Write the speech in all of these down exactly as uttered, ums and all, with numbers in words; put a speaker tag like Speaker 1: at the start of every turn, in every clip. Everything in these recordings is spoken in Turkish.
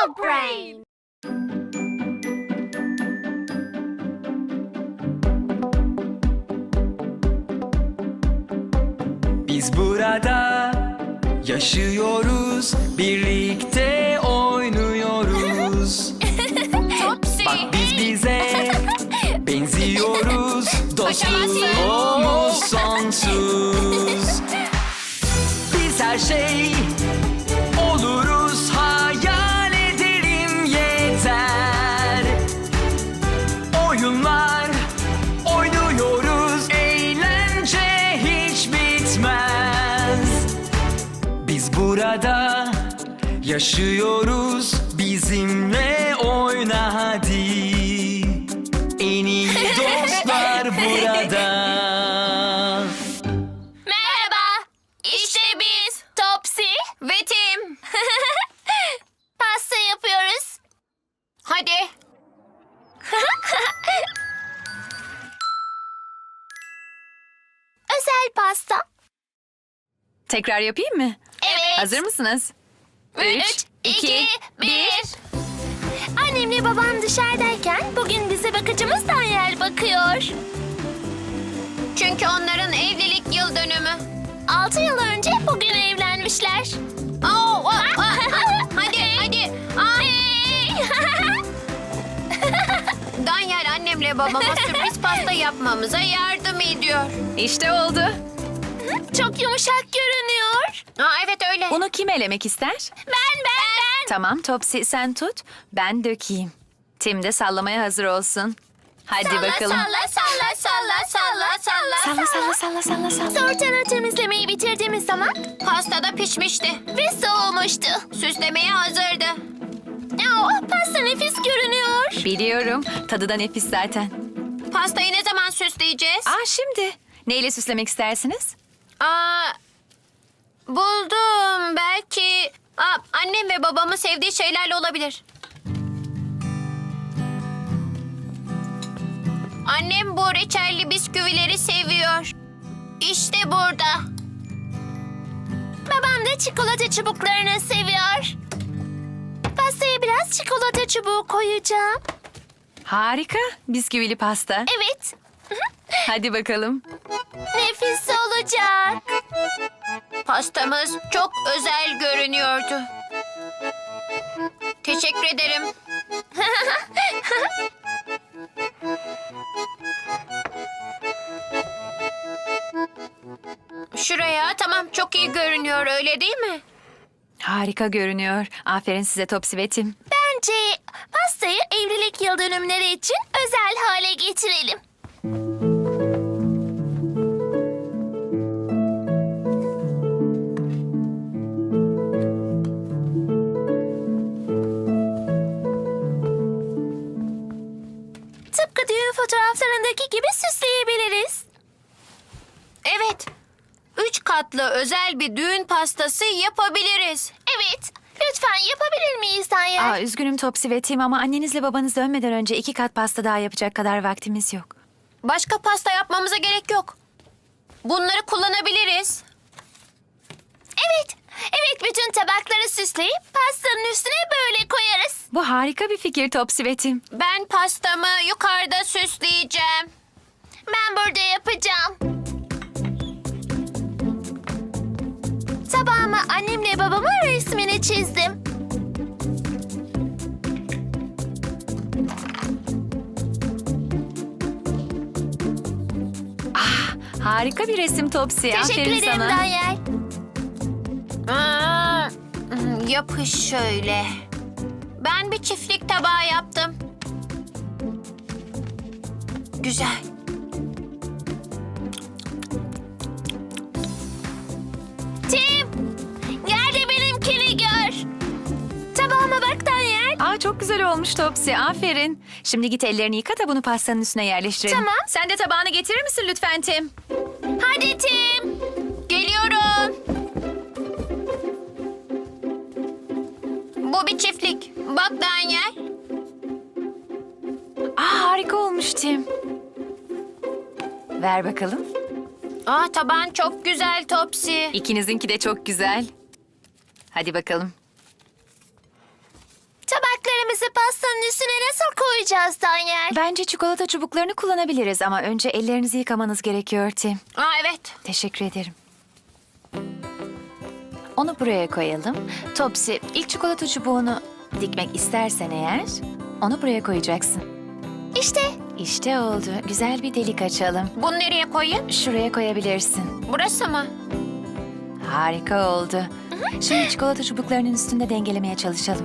Speaker 1: Dog Brain.
Speaker 2: Biz burada yaşıyoruz, birlikte oynuyoruz.
Speaker 1: Topsy.
Speaker 2: Bak biz bize benziyoruz, dostluğumuz sonsuz. Biz her şey oluruz, hayal edelim yeter. Oyunlar oynuyoruz, eğlence hiç bitmez. Biz burada yaşıyoruz, bizimle oyna hadi. En iyi dostlar burada.
Speaker 1: Merhaba. İşte biz. Topsy ve Tim. Pasta yapıyoruz. Hadi. Özel pasta.
Speaker 3: Tekrar yapayım mı?
Speaker 1: Evet.
Speaker 3: Hazır mısınız?
Speaker 1: Üç, iki, bir. Annemle babam dışarıdayken bugün bize bakıcımız Daniel bakıyor. Çünkü onların evlilik yıl dönümü. Altı yıl önce bugün evlenmişler. Oh, oh, oh. Hadi, hadi. Daniel annemle babama sürpriz pasta yapmamıza yardım ediyor.
Speaker 3: İşte oldu.
Speaker 1: Çok yumuşak görünüyor. Aa, evet öyle.
Speaker 3: Bunu kim elemek ister?
Speaker 1: Ben, ben, ben.
Speaker 3: Tamam Topsy sen tut, ben dökeyim. Tim de sallamaya hazır olsun. Hadi
Speaker 1: Salla,
Speaker 3: bakalım.
Speaker 1: Salla, salla, salla, salla, salla,
Speaker 3: Salla salla salla salla salla.
Speaker 1: Tortanı temizlemeyi bitirdiğimiz zaman pasta da pişmişti ve soğumuştu. Süslemeye hazırdı. Oh, pasta nefis görünüyor.
Speaker 3: Biliyorum, tadı da nefis zaten.
Speaker 1: Pastayı ne zaman süsleyeceğiz?
Speaker 3: Aa şimdi, neyle süslemek istersiniz?
Speaker 1: Aa, buldum. Belki Aa, annem ve babamın sevdiği şeylerle olabilir. Annem bu reçelli bisküvileri seviyor. İşte burada. Babam da çikolata çubuklarını seviyor. Pastaya biraz çikolata çubuğu koyacağım.
Speaker 3: Harika, bisküvili pasta.
Speaker 1: Evet,
Speaker 3: Hadi bakalım.
Speaker 1: nefis olacak. Pastamız çok özel görünüyordu. Teşekkür ederim. Şuraya, tamam, çok iyi görünüyor, öyle değil mi?
Speaker 3: Harika görünüyor. Aferin size Topsy ve Tim.
Speaker 1: Bence pastayı evlilik yıl dönümleri için özel hale getirelim. Tıpkı düğün fotoğraflarındaki gibi süsleyebiliriz. Evet. Üç katlı özel bir düğün pastası yapabiliriz. Evet. Lütfen yapabilir miyiz Danyal?
Speaker 3: Aa, üzgünüm Topsy ve Tim ama annenizle babanız dönmeden önce iki kat pasta daha yapacak kadar vaktimiz yok.
Speaker 1: Başka pasta yapmamıza gerek yok. Bunları kullanabiliriz. Evet. Evet, bütün tabakları süsleyip pastanın üstüne böyle koyarız.
Speaker 3: Bu harika bir fikir Topsy ve Tim.
Speaker 1: Ben pastamı yukarıda süsleyeceğim. Ben burada yapacağım. Tabağıma annemle babamın resmini çizdim.
Speaker 3: Harika bir resim Topsy.
Speaker 1: Teşekkür
Speaker 3: Aferin
Speaker 1: ederim
Speaker 3: sana.
Speaker 1: Danyal. Aa, yapış şöyle. Ben bir çiftlik tabağı yaptım. Güzel. Tim, gel de benimkini gör. Tabağıma bak Danyal.
Speaker 3: Aa, çok güzel olmuş Topsy. Aferin. Şimdi git ellerini yıka da bunu pastanın üstüne yerleştirelim.
Speaker 1: Tamam.
Speaker 3: Sen de tabağını getirir misin lütfen Tim?
Speaker 1: Hadi Tim. Geliyorum. Bu bir çiftlik. Bak Danyal.
Speaker 3: Aa, harika olmuş Tim. Ver bakalım.
Speaker 1: Aa, taban çok güzel Topsy.
Speaker 3: İkinizinki de çok güzel. Hadi bakalım.
Speaker 1: Taban Pekmezi pastanın üstüne nasıl koyacağız Daniel?
Speaker 3: Bence çikolata çubuklarını kullanabiliriz ama önce ellerinizi yıkamanız gerekiyor Tim.
Speaker 1: Aa evet.
Speaker 3: Teşekkür ederim. Onu buraya koyalım. Topsy, ilk çikolata çubuğunu dikmek istersen eğer onu buraya koyacaksın.
Speaker 1: İşte.
Speaker 3: İşte oldu. Güzel bir delik açalım.
Speaker 1: Bunu nereye koyayım?
Speaker 3: Şuraya koyabilirsin.
Speaker 1: Burası mı?
Speaker 3: Harika oldu. Şimdi çikolata çubuklarının üstünde dengelemeye çalışalım.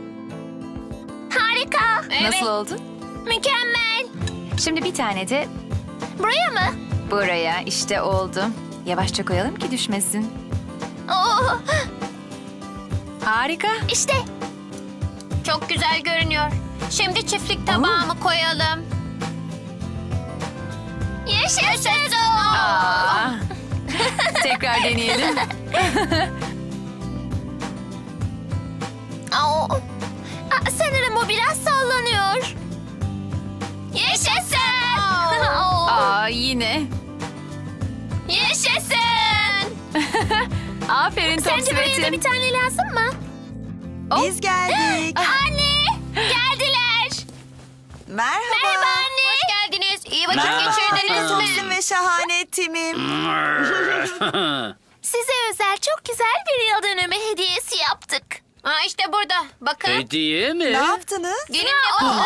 Speaker 1: Harika.
Speaker 3: Nasıl oldu?
Speaker 1: Mükemmel.
Speaker 3: Şimdi bir tane de
Speaker 1: Buraya mı?
Speaker 3: buraya. İşte oldu. Yavaşça koyalım ki düşmesin.
Speaker 1: Oo,
Speaker 3: Harika.
Speaker 1: işte. Çok güzel görünüyor. Şimdi çiftlik tabağımı koyalım. Yaşasın.
Speaker 3: Aa. Tekrar deneyelim.
Speaker 1: Aa, Aa, sanırım o biraz sallanıyor. Yaşasın. Aa,
Speaker 3: Aa, yine.
Speaker 1: Yaşasın.
Speaker 3: Aferin
Speaker 1: Sence
Speaker 3: Topsy ve
Speaker 1: buraya da
Speaker 3: Tim.
Speaker 1: bir tane lazım mı?
Speaker 4: Biz geldik.
Speaker 1: Anne, geldiler.
Speaker 4: Merhaba.
Speaker 1: Merhaba anne. Hoş geldiniz. İyi vakit
Speaker 2: Merhaba.
Speaker 1: geçirdiniz
Speaker 4: Topsin
Speaker 1: mi?
Speaker 4: ve şahane Tim'im.
Speaker 1: Size özel çok güzel bir yıl dönümü hediyesi yaptık. Aa işte burada. Bakın.
Speaker 5: Hediye mi?
Speaker 4: Ne yaptınız?
Speaker 1: Gelin de bakın.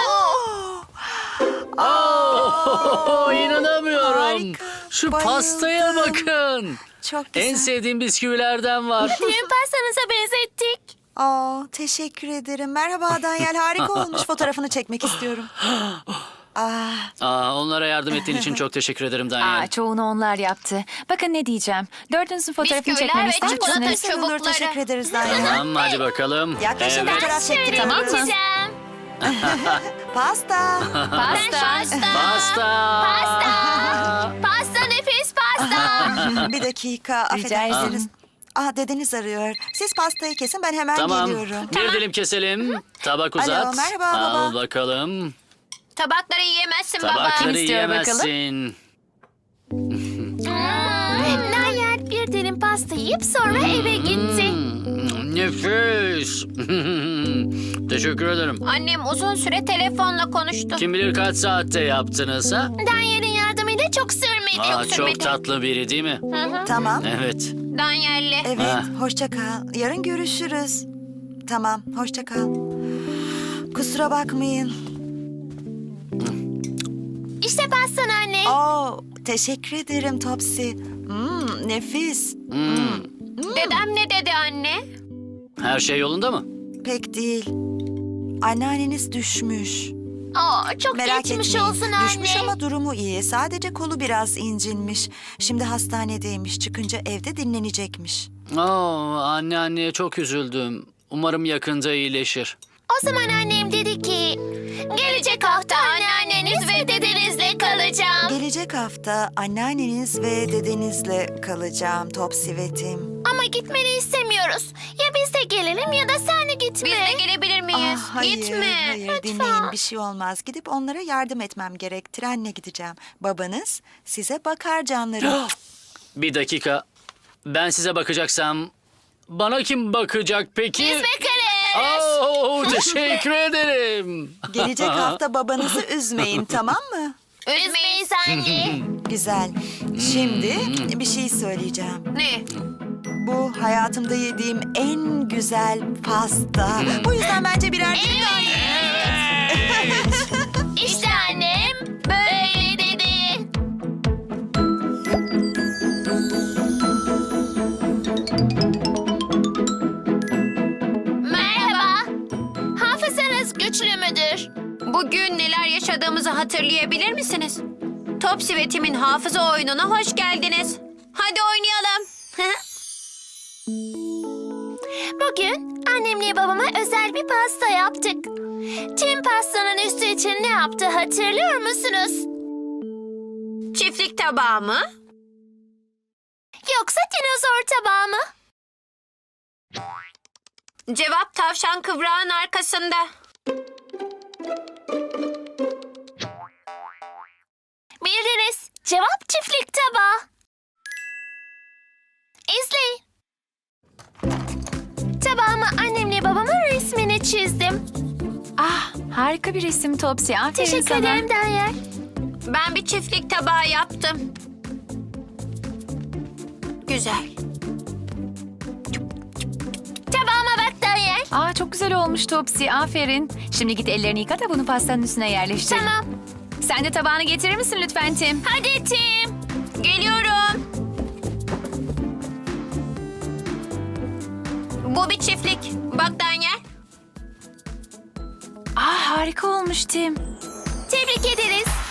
Speaker 5: Oo, inanamıyorum.
Speaker 4: Harika,
Speaker 5: Şu
Speaker 4: bayıldım.
Speaker 5: pastaya bakın.
Speaker 4: Çok güzel.
Speaker 5: En sevdiğim bisküvilerden var.
Speaker 1: Düğün pastanıza benzettik.
Speaker 4: Aa, teşekkür ederim. Merhaba Daniel, harika olmuş. Fotoğrafını çekmek istiyorum. Ah,
Speaker 5: Aa, onlara yardım ettiğin için çok teşekkür ederim Daniel.
Speaker 3: Aa, çoğunu onlar yaptı. Bakın ne diyeceğim. Dördünüzün fotoğrafını
Speaker 1: Bisküviler
Speaker 3: çekmemi
Speaker 1: ve
Speaker 3: ister
Speaker 1: çikolata
Speaker 3: misiniz?
Speaker 1: çubuk.
Speaker 4: olur,
Speaker 1: Çubukları.
Speaker 4: teşekkür ederiz Daniel.
Speaker 5: Tamam hadi bakalım.
Speaker 4: Yaklaşın
Speaker 5: Evet.
Speaker 4: fotoğraf
Speaker 1: Şöyle
Speaker 4: çektiriyorum.
Speaker 1: geçeceğim.
Speaker 4: Pasta.
Speaker 3: Pasta.
Speaker 5: Pasta.
Speaker 1: Pasta. Pasta nefis pasta.
Speaker 4: Bir dakika,
Speaker 3: Rica
Speaker 4: affedersiniz.
Speaker 3: ederim.
Speaker 4: Ah, dedeniz arıyor. Siz pastayı kesin, ben hemen
Speaker 5: Tamam.
Speaker 4: geliyorum.
Speaker 5: Bir dilim keselim. Tabak uzat.
Speaker 4: merhaba
Speaker 5: Al
Speaker 4: baba.
Speaker 5: bakalım.
Speaker 1: Tabakları yiyemezsin baba.
Speaker 5: Tabakları
Speaker 3: istiyor bakalım?
Speaker 5: yiyemezsin.
Speaker 1: Daniel bir dilim pasta yiyip sonra eve gitti.
Speaker 5: Hmm, nefis. Teşekkür ederim.
Speaker 1: Annem uzun süre telefonla konuştu.
Speaker 5: Kim bilir kaç saatte yaptınız ha?
Speaker 1: Daniel'in yardımıyla çok sürmedi.
Speaker 5: Aa,
Speaker 1: yok
Speaker 5: çok
Speaker 1: sürmedi.
Speaker 5: tatlı biri değil mi?
Speaker 1: Hı hı.
Speaker 4: Tamam.
Speaker 5: Evet.
Speaker 1: Daniel'le.
Speaker 4: Evet,
Speaker 5: Ha.
Speaker 4: hoşça kal. Yarın görüşürüz. Tamam, hoşça kal. Kusura bakmayın.
Speaker 1: İşte pastan anne.
Speaker 4: Oo, teşekkür ederim Topsy. Hmm, nefis.
Speaker 5: Hmm.
Speaker 1: Dedem ne dedi anne?
Speaker 5: Her şey yolunda mı?
Speaker 4: Pek değil. Anneanneniz düşmüş.
Speaker 1: Aa, çok
Speaker 4: Merak
Speaker 1: geçmiş
Speaker 4: etmeyin.
Speaker 1: olsun anne.
Speaker 4: Düşmüş ama durumu iyi. Sadece kolu biraz incinmiş. Şimdi hastanedeymiş. Çıkınca evde dinlenecekmiş.
Speaker 5: Oo, anne anneye çok üzüldüm. Umarım yakında iyileşir.
Speaker 1: O zaman annem dedi ki... Gelecek hafta anneanneniz ve dedenizle kalacağım.
Speaker 4: Gelecek hafta anneanneniz ve dedenizle kalacağım Topsy ve Tim.
Speaker 1: Ama gitmeni istemiyoruz. Ya biz de gelelim ya da sen de gitme. Biz de gelebilir miyiz?
Speaker 4: Ah, hayır,
Speaker 1: Gitme.
Speaker 4: hayır
Speaker 1: Lütfen.
Speaker 4: dinleyin bir şey olmaz. Gidip onlara yardım etmem gerek. Trenle gideceğim. Babanız size bakar canlarım.
Speaker 5: Bir dakika. Ben size bakacaksam bana kim bakacak peki?
Speaker 1: Biz bakarız.
Speaker 5: Oo, teşekkür ederim.
Speaker 4: Gelecek hafta babanızı üzmeyin, tamam mı?
Speaker 1: Üzmeyiz anne.
Speaker 4: Güzel. Şimdi bir şey söyleyeceğim.
Speaker 1: Ne?
Speaker 4: Bu hayatımda yediğim en güzel pasta. Bu yüzden bence birer dilim daha yiyin.
Speaker 1: İşte annem böyle dedi. Merhaba. Hafızanız güçlü müdür? Bugün neler yaşadığımızı hatırlayabilir misiniz? Topsy ve Tim'in hafıza oyununa hoş geldiniz. Hadi oynayalım. Bugün annemle babama özel bir pasta yaptık. Tim pastanın üstü için ne yaptı hatırlıyor musunuz? Çiftlik tabağı mı? Yoksa dinozor tabağı mı? Cevap tavşan kıvrağın arkasında. Bildiniz. Cevap çiftlik tabağı. İzleyin. Tabağıma annemle babamın resmini çizdim.
Speaker 3: Ah Harika bir resim Topsy. Aferin
Speaker 1: Teşekkür
Speaker 3: sana.
Speaker 1: ederim Daniel.
Speaker 6: Ben bir çiftlik tabağı yaptım. Güzel.
Speaker 1: Tabağıma bak Daniel.
Speaker 3: Aa, çok güzel olmuş Topsy. Aferin. Şimdi git ellerini yıka da bunu pastanın üstüne yerleştir.
Speaker 1: Tamam.
Speaker 3: Sen de tabağını getirir misin lütfen Tim?
Speaker 1: Hadi Tim.
Speaker 6: Geliyorum. Bu bir çiftlik. Bak Daniel.
Speaker 3: Aa, harika olmuş Tim.
Speaker 1: Tebrik ederiz.